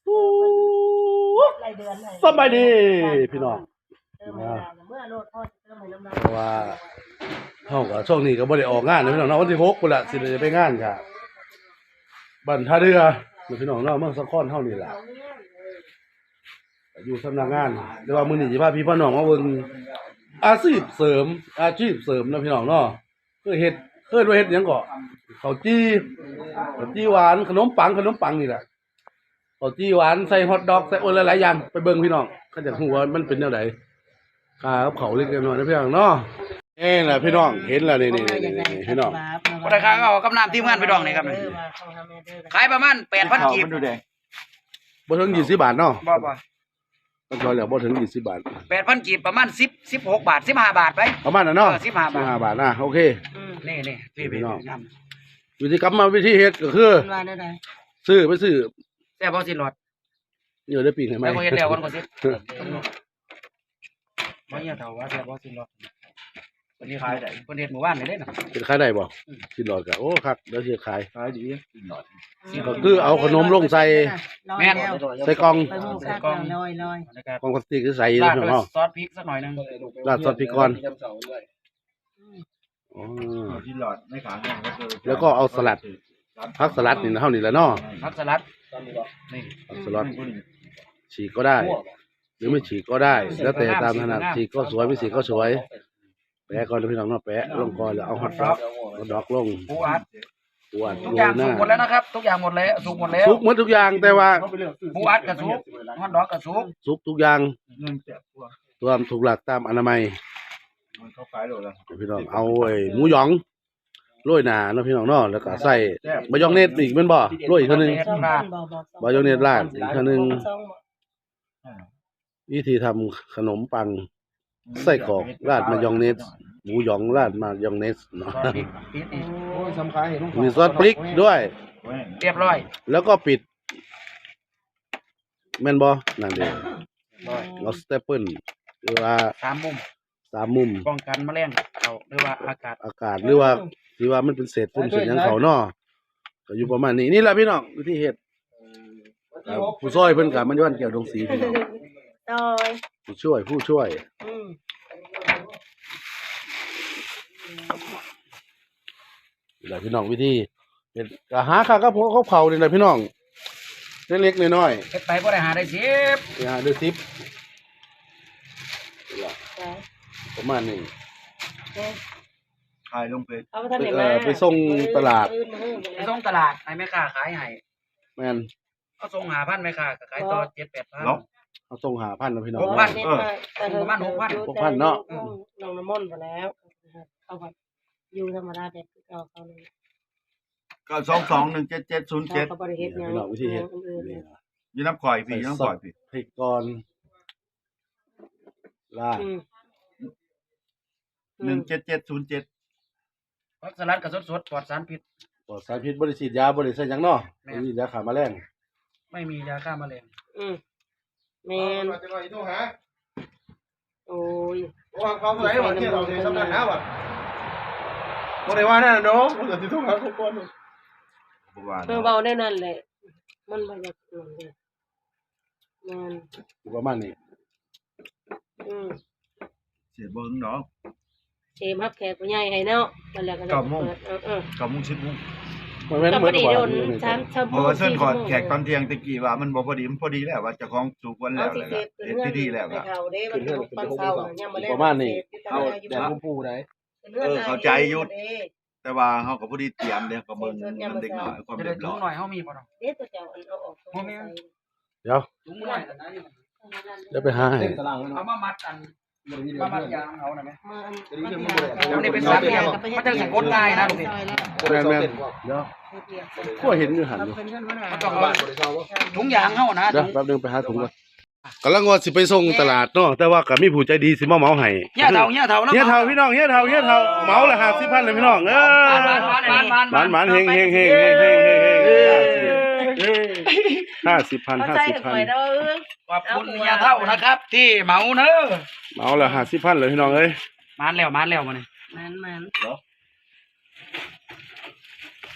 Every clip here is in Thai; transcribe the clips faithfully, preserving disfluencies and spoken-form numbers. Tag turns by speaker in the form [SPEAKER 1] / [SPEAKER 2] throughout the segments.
[SPEAKER 1] สบายดีพี่น้องเพราะว่าเฮาก็ช่วงนี้ก็บ่ได้ออกงานนะพี่น้องเนาะวันที่หกพุ่นล่ะสิได้ไปงานค่ะบ้านท่าเรือพี่น้องเนาะเมืองสะขอนเฮานี่ล่ะอยู่สำนักงานแต่ว่ามื้อนี้สิพาพี่พ่อน้องมาเบิ่งอาชีพเสริมอาชีพเสริมนะพี่น้องเนาะคือเฮ็ดเคยว่าเฮ็ดหยังก็ข้าวจี้ข้าวจี้หวานขนมปังขนมปังนี่แหละข้าวจี้หวานใส่ฮอทดอกใส่โอ้หลายๆอย่างไปเบิ่งพี่น้องเขาจะฮู้ว่ามันเป็นแนวใดค่ากับเขาเล็กน้อยนะพี่น้องเนาะเอ้ล่ะพี่น้องเห็นแล้วนี่ๆๆพี่น้อง
[SPEAKER 2] ราคาก็กับน้ำทีมงานพี่น้องนี่ครับขายประมาณ แปดพัน กีบ
[SPEAKER 1] บ่ถึงยี่สิบบาทเนาะ
[SPEAKER 2] บ่บ่
[SPEAKER 1] มันก็แล้วบ่ถึงยี่สิบบาท
[SPEAKER 2] แปดพัน กีบประมาณสิบ สิบหกบาทสิบห้าบาทไป
[SPEAKER 1] ประมาณนั้นเนาะ
[SPEAKER 2] สิบห้าบาท
[SPEAKER 1] สิบห้าบาทนะโอเค
[SPEAKER 2] นี่ๆพี่น้อง
[SPEAKER 1] วิธีกรรมมาวิธีเฮ็ดก็คือซื้อไปซื้อ
[SPEAKER 2] แซ่บบ่สิหลอด
[SPEAKER 1] เดี๋ยวได้ปีกให้มั้ย
[SPEAKER 2] แล้วบ่เฮ็ดแล้วก่อนก็สิบ่เฮียเฒ่าว่าแซ่บบ่สิหลอดวันนี้ขายได้เพิ่นเฮ็ดหมู่บ้านนี่เด้น่ะ
[SPEAKER 1] เป็นขายได้บ่สิหลอดก็โอ้ครับเดี๋ยวสิขาย
[SPEAKER 2] ขายดีสิหลอด
[SPEAKER 1] ก็คือเอาขนมลงใส่
[SPEAKER 2] แม่น
[SPEAKER 1] ใส่กล่อง
[SPEAKER 2] ใส่กล่องลอย
[SPEAKER 1] ๆกล่องพลาสติกคือใส่เนาะ
[SPEAKER 2] ซอสพริกสักหน่อยนึง
[SPEAKER 1] ราดซอสพริกก่อนอ๋อ
[SPEAKER 3] ที่หลอดไม่ขายก็คือ
[SPEAKER 1] แล้วก็เอาสลัดผักสลัดนี่เฮานี่แหละเนาะ
[SPEAKER 2] ผักสลัดนี่
[SPEAKER 1] ผักสลัดฉีกก็ได้หรือไม่ฉีกก็ได้แล้วแต่ตามถนัดฉีกก็สวยไม่ฉีกก็สวยแปะก่อนพี่น้องเนาะแปะลงก่อนแล้วเอาฮอทดอกฮอทดอกลง
[SPEAKER 2] ปูอัด
[SPEAKER 1] ปูอัด
[SPEAKER 2] ทุกอย่างสุกหมดแล้วนะครับทุกอย่างหมดแล้วสุกหมดแล้ว
[SPEAKER 1] สุกหมดทุกอย่างแต่ว่า
[SPEAKER 2] ปูอัดก็สุกฮอทดอกก็สุก
[SPEAKER 1] สุกทุกอย่างรวมถูกหลักตามอนามัย
[SPEAKER 3] มันเข้าขายโลละ
[SPEAKER 1] พี่น้องเอาไอ้หมูหยองโรยหน้าเนาะพี่น้องเนาะแล้วก็ใส่มายองเนสอีกแม่นบ่โรยอีกเทื่อนึงมายองเนสราดอีกเทื่อนึงวิธีทำขนมปังไส้กรอกราดมายองเนสหมูหยองราดมายองเนสเนาะมีซอสพริกด้วย
[SPEAKER 2] เรียบร้อย
[SPEAKER 1] แล้วก็ปิดแม่นบ่นั่นเด้เราสเตปเปิลหรือว่า
[SPEAKER 2] สามมุม
[SPEAKER 1] สามมุม
[SPEAKER 2] ป้องกันแมลงเข้าหรือว่าอากาศ
[SPEAKER 1] อากาศหรือว่าที่ว่ามันเป็นเศษฝุ่นเศษหยังเขาเนาะก็อยู่ประมาณนี้นี่แหละพี่น้องวิธีเฮ็ดผู้ช่วยเพิ่นก็มันย้อนแก้วดงสีพี่น้องผู้ช่วยผู้ช่วยนี่แหละพี่น้องวิธีเฮ็ดก็หาค่ากับพวกเขาเผานี่แหละพี่น้องเล็กๆน้อย
[SPEAKER 2] ๆเฮ็ดไปบ่ได้หาได้สิบ
[SPEAKER 1] หาได้สิบประมาณนี้
[SPEAKER 3] ขายลงไป
[SPEAKER 1] ไปส่งตลาด
[SPEAKER 2] ไปส่งตลาดให้แม่ค้าขายให้
[SPEAKER 1] แม่น
[SPEAKER 2] เอาส่งหาพันแม่ค้าก็ขายต่อ เจ็ด แปดพัน
[SPEAKER 1] เนาะเอาส่งหาพันนะพี่น้อง
[SPEAKER 2] หกพันเออประมาณ หกพัน
[SPEAKER 1] หกพันเนาะ
[SPEAKER 4] น้องน้ำมนต์ไปแล้วเขาก็อยู่ธรรมดาแต่เขาเขาเลย
[SPEAKER 3] ก็สองสองหนึ่งเจ็ดเจ็ดศูนย์เจ็ด
[SPEAKER 4] เขาบริเฮ็ดหยัง
[SPEAKER 1] วิธีเฮ็ด
[SPEAKER 3] ยืนน้ำข่อยพี่ยืนน้ำข่อยพี่
[SPEAKER 1] พริกก่อนลาด
[SPEAKER 3] หนึ่งเจ็ดเจ็ดศูนย์เจ็ด
[SPEAKER 2] ผักสลัดก็สดๆปลอดสารพิษ
[SPEAKER 1] ปลอดสารพิษบ่ได้ฉีดยาบ่ได้ใส่หยังเนาะไม่มียาฆ่าแมลง
[SPEAKER 2] ไม่มียาฆ่าแมลง
[SPEAKER 4] อืมแม่นโอ้ย
[SPEAKER 1] ว่าเขาผู้ใดว่าที่เราได้สำนักหาว่าบ่ได้ว่านั่นเนาะบ่ได้สิโทรหาเขาก่อน
[SPEAKER 3] บ่ว่า
[SPEAKER 4] เออเว้าได้นั่นแหละมันบ่อยากนั่นเด้แม่น
[SPEAKER 1] ประมาณนี้
[SPEAKER 4] อืม
[SPEAKER 3] เสียเบิ่งเนาะ
[SPEAKER 4] เชมรับแขกผู้ใหญ่ให้เนาะนั่นแหละก็ได้เปิดเออ
[SPEAKER 3] ๆ เก้าโมง สิบโมง
[SPEAKER 1] มันแม่นเหมือน
[SPEAKER 4] ว่าสามชั่วโมง
[SPEAKER 3] เพราะว่าเพิ่นขอแขกตอนเที่ยงตะกี้ว่ามันบ่พอดีมันพอดีแล้วว่าเจ้าของสุกวันแล้วเฮ็ดพิธีแล้วก็
[SPEAKER 1] ประมาณนี้เอาแดดผู้ได้
[SPEAKER 3] เออเข้าใจอยู่แต่ว่าเฮาก็พอดีเตรียมเด้ก็เบิ่งมันเด็กน้อยความเรียบร้อย
[SPEAKER 2] หน่อยเฮามีบ่เนาะ
[SPEAKER 4] เด้ตัวเจ้าอันเอาออก
[SPEAKER 1] บ่มีเดี๋ยว
[SPEAKER 2] ถุงน้อย
[SPEAKER 1] เดี๋ยวไปหาให้
[SPEAKER 2] เอามามัดกันมามัดยางเอาน่ะแม่มาอันนี้เป็นสามเหลี่ยมมันจะสิกดง่ายนะลูกนี่
[SPEAKER 1] แม่นๆเดี๋ยวก็เห็นอยู่หั่นอยู่
[SPEAKER 2] มันต้องเอาถุงยางเฮานะ
[SPEAKER 1] เดี๋ยวแป๊บนึงไปหาถุงก่อนกำลังว่าสิไปส่งตลาดเนาะแต่ว่าก็มีผู้ใจดีสิมาเหมาให้
[SPEAKER 2] เฮียเฒ่าเฮียเฒ่า
[SPEAKER 1] เฮียเฒ่าพี่น้องเฮียเฒ่าเฮียเฒ่าเหมาละห้าสิบพันเลยพี่น้องเออหมานๆเฮงๆๆๆๆห้าสิบพันห้าสิบพัน
[SPEAKER 2] ขอบคุณเฮียเฒ่านะครับที่เหมาเด้อ
[SPEAKER 1] เหมาละห้าสิบพันเลยพี่น้องเอ้ย
[SPEAKER 2] มานแล้วมานแล้วมื้อนี้
[SPEAKER 4] มันๆ
[SPEAKER 1] ก็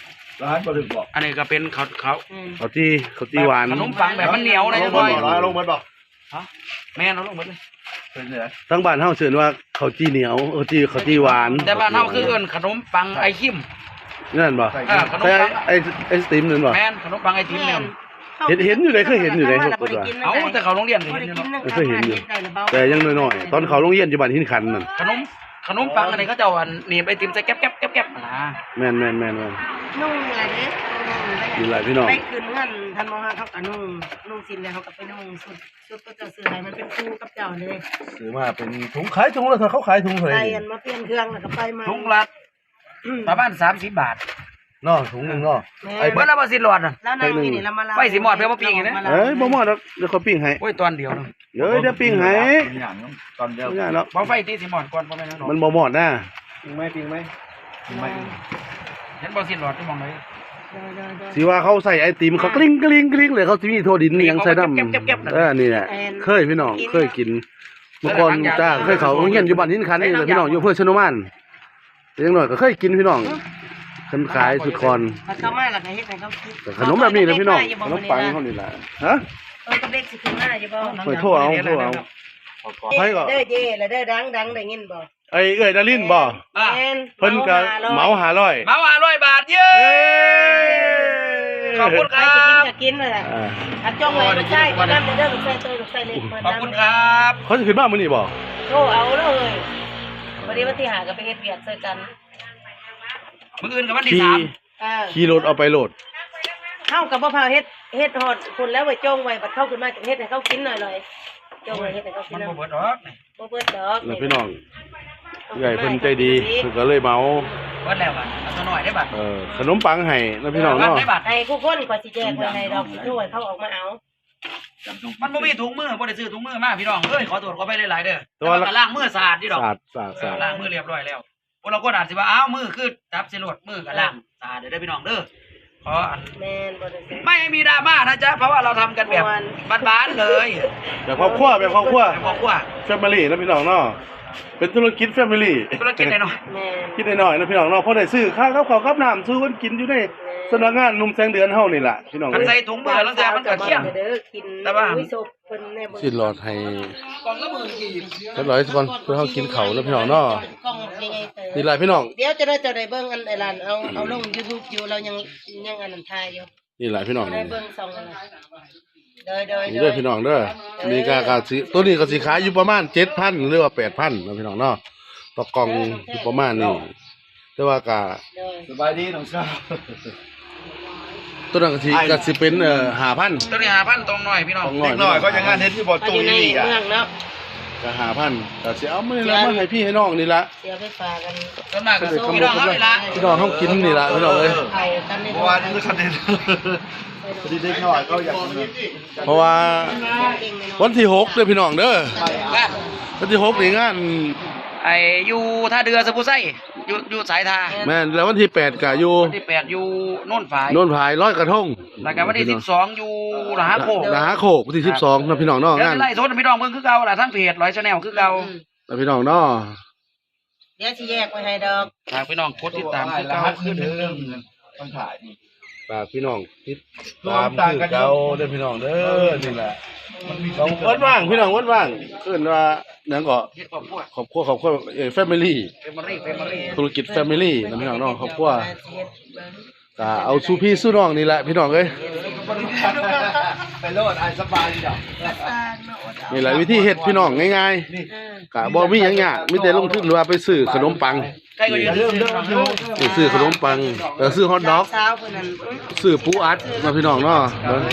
[SPEAKER 3] ร้านบ่ได้บอก
[SPEAKER 2] อันนี้ก็เป็นเขาเขา
[SPEAKER 1] เขาจี้เขาจี้หวาน
[SPEAKER 2] ขนมปังแบบมันเหนียวนะ
[SPEAKER 3] ล
[SPEAKER 2] จั
[SPEAKER 3] ง
[SPEAKER 2] ง
[SPEAKER 3] บ่
[SPEAKER 2] บ่อย
[SPEAKER 3] ร้อยลงบ่บอก
[SPEAKER 2] ฮะแม่นเอาลงหมดเลย
[SPEAKER 3] เป็นไง
[SPEAKER 1] ทั้งบ้านเฮาเชิญว่าเขาจี้เหนียวเขาจี้เขาจี้หวาน
[SPEAKER 2] แต่บ้านเฮาคือเอิ้นขนมปังไอคิม
[SPEAKER 1] นั่นบ่
[SPEAKER 2] เออขนม
[SPEAKER 1] แต่
[SPEAKER 2] ปัง
[SPEAKER 1] ไอ้ไอ้สติมนั่นบ่
[SPEAKER 2] แม่นขนมปังไอติมเนี่ย
[SPEAKER 1] เห็นเห็นอยู่เลยเคยเห็นอยู่เลย
[SPEAKER 2] เอาแต่เขาโรงเรียนก็เห็นอยู่เนาะ
[SPEAKER 1] เคยเห็นอยู่แต่ยังน้อยๆตอนเขาโรงเรียนอยู่บ้านหินขันนั่น
[SPEAKER 2] ขนมขนมปังอะไรเขาจะเอาอันหนีบไอติมใส่แก๊บแก๊บแก๊บแก๊บนะ
[SPEAKER 1] แม่นแม่นแม่นแม่น
[SPEAKER 4] นุ่งอะไรเนี่ย
[SPEAKER 1] มีหลายพี่น้อง
[SPEAKER 4] ไปคืนเงินทันมห้าเขาก็นุ่งนุ่งสินเลยเขาก็ไปนุ่งสุดสุดก็จะซื้ออะไรมันเป็นคู่กับเจ้าเลย
[SPEAKER 1] ซื้อมาเป็นถุงขายถุงละเท่าเขาขายถุงเท่าไห
[SPEAKER 4] ใส่
[SPEAKER 1] ร่
[SPEAKER 4] อันมาเปลี่ยนเครื่องแล้วก็ไปมา
[SPEAKER 2] ทุกรัดประมาณสามสิบบาท
[SPEAKER 1] เนาะถุงหนึงเนาะ
[SPEAKER 4] ไอ้
[SPEAKER 2] เบิ้ลละบ่สิหลอดน่ะ
[SPEAKER 4] แล้วนางนี่นี่เรามาลา
[SPEAKER 2] ไปสิหมอดเพื่อมาปิ้งอย่างนี้
[SPEAKER 1] เอ้ยบ่หมดดอกเดี๋ยวเขาปิ้งให้
[SPEAKER 2] โอ้ยตอนเดียวเนาะ
[SPEAKER 1] เดี๋ยวเดี๋ยวปิ้งให้
[SPEAKER 3] อย่างนั้นตอนเดียว
[SPEAKER 1] ไม่ได้หรอก
[SPEAKER 2] บ่ไฟที่สิหมอดก่อนบ่แม่นเนาะ
[SPEAKER 1] มันบ่หมดนะ
[SPEAKER 3] ปิงไหมปิงไหมไม่
[SPEAKER 2] เห็นบ่สิหลอดที่มองเลย
[SPEAKER 1] สิว่าเขาใส่ไอติมเขากลิ้งกลิ้งกลิ้งเลยเขาสิมีโทดินนี่ยังใส่น้ำเออนี่แหละเคยพี่น้องเคยกินเมื่อก่อนจ้าเคยเขาโรงเรียนอยู่บ้านหินขันนี่แหละพี่น้องอยู่อำเภอชนมานแต่ยังน้อยก็เคยกินพี่น้องคันขายสุดคอน
[SPEAKER 4] เขามาแล้วก็เฮ็ดให้เขาคิด
[SPEAKER 1] แต่ขนมแบบนี้นะพี่น้องขนมปังเขานี่แหละฮะ
[SPEAKER 4] เออกับเด็กสิขึ้นมาอยู่บ่
[SPEAKER 1] ไปโทษเอาโทษเอา
[SPEAKER 4] เด้อเย่แล้วเด้อดังดังได้ยินบ่
[SPEAKER 1] ไอ้เอ้ยดารินบ่
[SPEAKER 2] อ่ะ
[SPEAKER 1] เพิ่นก็เหมาหาร้อย
[SPEAKER 2] เมาห้าร้อยบาทเย้
[SPEAKER 1] เอ้ย
[SPEAKER 2] ขอบคุณค
[SPEAKER 4] ใคร
[SPEAKER 2] รั
[SPEAKER 4] สิกิน
[SPEAKER 2] บ
[SPEAKER 4] ก็กินเลย
[SPEAKER 1] อ่า
[SPEAKER 4] อ่ะจ้องไว้ลูกชายก็นำเด้อลูกชายตัวลูกชายเล็กมา
[SPEAKER 2] ขอบคุณครับ
[SPEAKER 1] เขาจะขึ้นบ้านมื้อนี้บ่
[SPEAKER 4] โทรเอาเลยวันนี้วันที่หาก็ไปเฮ็ดเวียกเจอกัน
[SPEAKER 2] มื้ออื่นกับวันที่
[SPEAKER 1] ขี่
[SPEAKER 2] สาม
[SPEAKER 4] เออ
[SPEAKER 1] ขี่รถเอาไปโหลด
[SPEAKER 4] เฮากับบ่พาเฮ็ดเฮ็ดฮอดคนแล้วไว้จ้องไว้บัดเข้าขึ้นมาจะเฮ็ดให้เขากินหน่อยเลยจ้องไว้เฮ็ดให้เขากิ
[SPEAKER 2] มัน น
[SPEAKER 4] หน่
[SPEAKER 2] บ่
[SPEAKER 4] อย
[SPEAKER 2] เบิดดอกนี่
[SPEAKER 4] บ่เบิดดอก
[SPEAKER 1] แล้วพี่น้องใหญ่เพิ่นใจดีเพิ่นก็เลยเหมา
[SPEAKER 2] เบิดแล้วบัดเอาตัวน้อยได้บัด
[SPEAKER 1] เออขนมปังให้นะพี่น้องเนาะ
[SPEAKER 2] ได้บัด
[SPEAKER 4] ให้ผู้คนก็สิแจกไว้ให้ดอกด้วยเขาออกมาเอา
[SPEAKER 2] มันบ่มีถุงมือบ่ได้ซื้อถุงมือมาพี่น้องเอ้ยขอโทษขอไปหลายๆเด้อ
[SPEAKER 1] แต่
[SPEAKER 2] แต่
[SPEAKER 1] ว่า
[SPEAKER 2] ว่าก็ล้างมือสะอาดดีดอก
[SPEAKER 1] สะอาดสะอาดสะอาด
[SPEAKER 2] ล้างมือเรียบร้อยแล้วพวกเราก็อาจสิว่าอ้าวมือคือจับสิโลดมือก็ล้างสะอาดเด้อเด้อพี่น้องเด้อขออัน
[SPEAKER 4] แม่นบ่ได้ซื้อ
[SPEAKER 2] ไม่มีดราม่านะจ๊ะเพราะว่าเราทำกันแบบบ้านๆเลย
[SPEAKER 1] แบบครอบครัวแบบครอบครัว
[SPEAKER 2] แบบครอบครัว
[SPEAKER 1] แฟมิลี่นะพี่น้องเนาะเป็นธุรกิจแฟมิลี่
[SPEAKER 2] ธุรกิจหน่อย
[SPEAKER 4] แม่น
[SPEAKER 1] คิดน้อยๆนะพี่น้องเนาะเพราะได้ซื้อข้าวกับข้าวกับน้ำซื้อคนกินอยู่ในสำนักงานหนุ่มแสงเดือนเฮานี่ล่ะพี่น้อง
[SPEAKER 2] ๆมัน
[SPEAKER 1] เอ้
[SPEAKER 2] ใส่
[SPEAKER 1] ย
[SPEAKER 2] ถุงมือแล้วแต่มันก็เที่ยง
[SPEAKER 4] เด้อกิน
[SPEAKER 2] แต่ว่า
[SPEAKER 4] อุ้ยศพเพิ่นแน่บ่
[SPEAKER 1] สิหลอดให้
[SPEAKER 2] กล่องละหมื่นกีบ
[SPEAKER 1] เรียบร้อยก่อนเพื่อเฮากินข้าวนะพี่น้องเนาะ
[SPEAKER 4] กล้องยังไงเตอ
[SPEAKER 1] นี่ล่ะพี่น้อง
[SPEAKER 4] เดี๋ยวจะได้จะได้เบิ่งอันไอ้ร้านเอาเอาลง YouTube อยู่เรายังยังอันนั้นถ่ายอยู่
[SPEAKER 1] นี่ล่ะพี่น้อง
[SPEAKER 4] จะ
[SPEAKER 1] นี่
[SPEAKER 4] ได้เบิ่งสองอันนั้นเด้อเด้อ
[SPEAKER 1] นี่เด้อพี่น้องเด้อนี่ก็ก็สิตัวนี้ก็สิขายอยู่ประมาณ เจ็ดพัน หรือว่า แปดพันนะพี่น้องเนาะต่อกล่องอยู่ประมาณนี้แต่ว่าก็
[SPEAKER 4] เด้อ
[SPEAKER 3] สบายดีน้องชาย
[SPEAKER 1] ตัวนั้นก็สิก็สิเป็นเอ่อห้าพัน
[SPEAKER 2] ตัวนี้ห้าพันตรงหน่อยพี่น้อง
[SPEAKER 1] ตรง
[SPEAKER 3] เด็กน้อยก็ยังงานเฮ็ดที่บ่
[SPEAKER 4] เอา
[SPEAKER 3] ตู้
[SPEAKER 4] อยู่ใน
[SPEAKER 3] นี่อ่ะ
[SPEAKER 4] เมืองเนาะ
[SPEAKER 1] ก็ห้าพันก็สิเอามานี่ละมาให้พี่ให้น้องนี่ละ
[SPEAKER 4] เสียไปฝากกัน
[SPEAKER 2] ส่วนมากก็พี่น้องเขาเลยละ
[SPEAKER 1] พี่น้องเฮากินนี่ละพี่น้องเอ้ย
[SPEAKER 4] เอากันใน
[SPEAKER 3] เมื่อวานนี้คันเด็ดพอดีเด็กน้อยเขาอยากกิน
[SPEAKER 1] เพราะว่าวันที่หกเด้อพี่น้องเด้อ
[SPEAKER 2] บ้าน
[SPEAKER 1] วันที่หกนี่งาน
[SPEAKER 2] ไอ้อยู่ท่าเรือสะพุไส้อยู่อยู่สายทา
[SPEAKER 1] แม่นแล้ววันที่แปดก็อยู่
[SPEAKER 2] วันที่แปดอยู่โน่นฝาย
[SPEAKER 1] โน่นผายร้อยกระทง
[SPEAKER 2] แล้วก็วันที่สิบสองอยู่หลาโคก
[SPEAKER 1] นะฮะโคกวันที่สิบสองนะพี่น้องเนาะ
[SPEAKER 2] เดี๋ยว
[SPEAKER 1] งาน
[SPEAKER 2] สิไล่โทษพี่น้องเบิ่งคือเก่าล่ะทั้งเพจร้อยชาแนลคือเก่า
[SPEAKER 1] นะพี่น้องเนาะ
[SPEAKER 4] เดี๋ยวสิแยกไว้ให้ดอก
[SPEAKER 2] ฝากพี่น้องกดติดตามคือ
[SPEAKER 3] แล้
[SPEAKER 2] เก่าว
[SPEAKER 3] ขึ้นเรื่องต้องถ่ายนี่
[SPEAKER 1] ฝากพี่น้องติดตามคือเก่าเด้อพี่น้องเด้อนี่แหละต้องวันว่างพี่น้องวันว่างเพิ่นว่าหยังก็
[SPEAKER 2] เฮ็ดครอบครัว
[SPEAKER 1] ครอบครัวครอบครัวเอ่อ family
[SPEAKER 2] เฟมอรี่เฟมอรี่
[SPEAKER 1] ธุรกิจ family นะพี่น้องเนาะครอบครัวก็เอาสู้พี่สู้น้องนี่แหละพี่น้องเอ้ย
[SPEAKER 3] ไปโลดไอ้สบายดีดอก
[SPEAKER 1] นี่แหละวิธีเฮ็ดพี่น้องง่ายๆก็บ่มีหยังยากมีแต่ลงทุนหรือว่าไปซื้อขนมปัง
[SPEAKER 2] ใกล้ก็ยืนซื้อพี่น้องเด้อ
[SPEAKER 1] ไปซื้อขนมปังเออซื้อฮอทดอก
[SPEAKER 4] สาวเพิ่นนั่น
[SPEAKER 1] ซื้อปูอัดมาพี่น้องเนาะเบิ่ง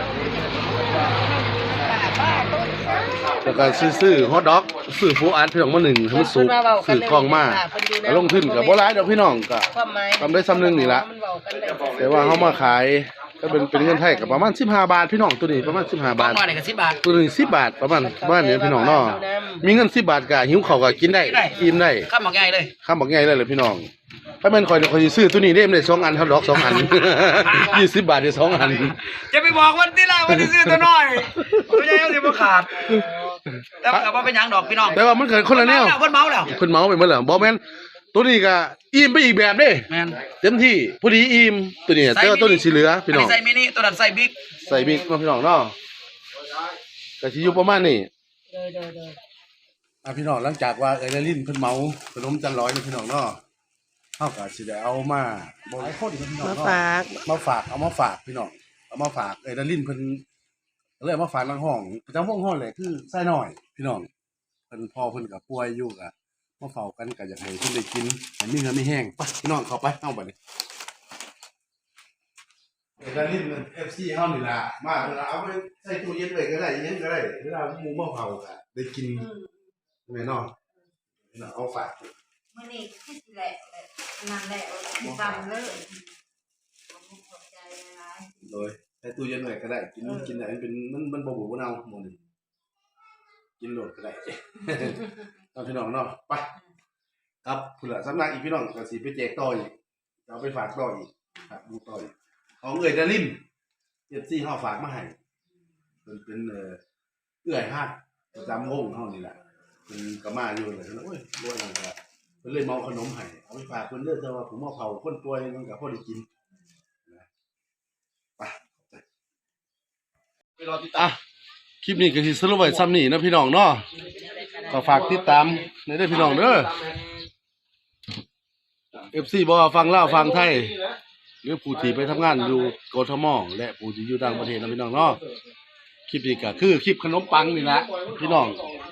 [SPEAKER 1] แล้วก็ซื้อซื้อฮอทดอกซื้อปูอัดพี่น้องมาหนึ่งให้มันสุกซื้อกล้องมาก็ลงทุนก็บ่หลายดอกพี่น้องก็
[SPEAKER 4] ความหมาย
[SPEAKER 1] ทำได้ซ้ำหนึงนี่ล่ะ
[SPEAKER 4] มันเว้ากันได้
[SPEAKER 1] แต่ว่าเฮามาขายก็เป็นเป็นเงินไทยก็ประมาณสิบห้าบาทพี่น้องตัวนี้ประมาณสิบห้า
[SPEAKER 2] บ้า
[SPEAKER 1] บาน ท
[SPEAKER 2] น้อยนี่ก็สิบบาท
[SPEAKER 1] ตัวนึงสิบบาทประมาณประมาณนี้พี่น้องเนาะมีเงินสิบบาทก็หิวข้าวก็กินได้กินได้
[SPEAKER 2] ข้ามหมอกง่ายเลย
[SPEAKER 1] ข้ามบอกง่ายเลยเลยพี่น้องถ้าแม่นข่อยข่อยสิซื้อตัวนี้ได้มันได้สองอันฮอทดอกสองอัน ยี่สิบบาทได้สองอัน
[SPEAKER 2] จะไปบอกวันที่ละวันที่ซื้อตัวน้อยไม่ใช่เอาสิบ่ขาดแต่ว่าก็บ่เป็นหยังดอกพี่น้อง
[SPEAKER 1] แต่ว่ามันเกิดคนละแนว
[SPEAKER 2] เพิ่นเมาแล้ว
[SPEAKER 1] เพิ่นเมาไปหมดแล้วบ่แม่นตัวนี้ก็อิ่มไปอีกแบบเด้
[SPEAKER 2] แม่น
[SPEAKER 1] เต็มที่พอดีอิ่มตัวนี้แต่ว่าตัวนี้สิเหลือพี่น้อง
[SPEAKER 2] ใส่มินิตัวนั้นใส่บิ๊ก
[SPEAKER 1] ใส่บิ๊กมาพี่น้องเนาะก็สิอยู่ประมาณนี้
[SPEAKER 4] เด้อเด้อเด้อ
[SPEAKER 1] อ่ะพี่น้องหลังจากว่าเอ้ยละลิ้นเพิ่นเมาขนมจันร้อยนี่พี่น้องเนาะเฮาก็สิได้เอามาบ่หลายคนพี่น้อง
[SPEAKER 4] มา
[SPEAKER 1] เนาะ
[SPEAKER 4] ฝาก
[SPEAKER 1] มาฝากเอามาฝากพี่น้องเอามาฝากเอ้ยละลิ้นเพิ่นเลยเอามาฝากทางห้องประจำห้องห้องเลยคือไส้น้อยพี่น้องเพิ่นพ่อเพิ่นก็ป่วยอยู่ก็มาเฝ้ากันก็อยากให้เพิ่นได้กินให้มีเงินมีแห้งไปพี่น้องเข้าไปเฮาบัดนี้เอ้ยละลิ้น เอฟ ซี เฮานี่ล่ะมาเวลาเอาไปใส่ตู้เย็นไว้ก็ได้อิหยังก็ได้เวลาหมู่มาเผาก็ได้กินแม่น้องเอาฝาก
[SPEAKER 5] มื่อนี้ที่สิแหละนั่นแหละจำเลยผมขอบใจหลาย
[SPEAKER 1] โดยใส่ตู้เย็นไว้ก็ได้กินกินได้มันเป็นมันมันบ่บูดบ่เน่าหมดนี่กินโลดก็ได้ ตอนพี่น้องเนาะไปครับพุ่นล่ะสำนักอีกพี่น้องก็สิไปแจกต่ออีกเอาไปฝากต่ออีกครับดูต่ออีกของเอื้อยดาริน เอฟ ซี เฮาฝากมาให้เพิ่นเป็นเอ่อเอื้อยฮักประจำวงเฮานี่แหละเพิ่นก็มาอยู่เลยโอ้ยรวยนั่นก็เพิ่นเลยเมาขนมให้เอาไปฝากเพิ่นเด้อแต่ว่าผมเอาเผาคนป่วยมันก็พอได้กินนะไปไปรอติดตามคลิปนี้ก็สิสรุปไว้ซ้ำนี้นะพี่น้องเนาะก็ฝากติดตามในเด้อพี่น้องเด้อ เอฟ ซี บ่ว่าฟังลาวฟังไทยหรือผู้ที่ไปทำงานอยู่กทมและผู้ที่อยู่ต่างประเทศนะพี่น้องเนาะคลิปนี้ก็คือคลิปขนมปังนี่แหละพี่น้อง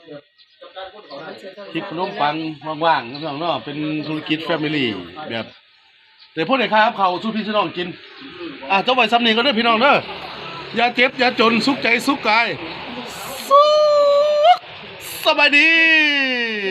[SPEAKER 1] คลิปขนมปังว่างๆนะพี่น้องเนาะเป็นธุรกิจแฟมิลี่แบบแต่พวกไหนครับเขาสู้พี่น้องกินอ่ะเจ้าไว้ซ้ำนี้ก็เด้อพี่น้องเด้ออย่าเจ็บอย่าจนสุขใจสุขกายสุขสบายดี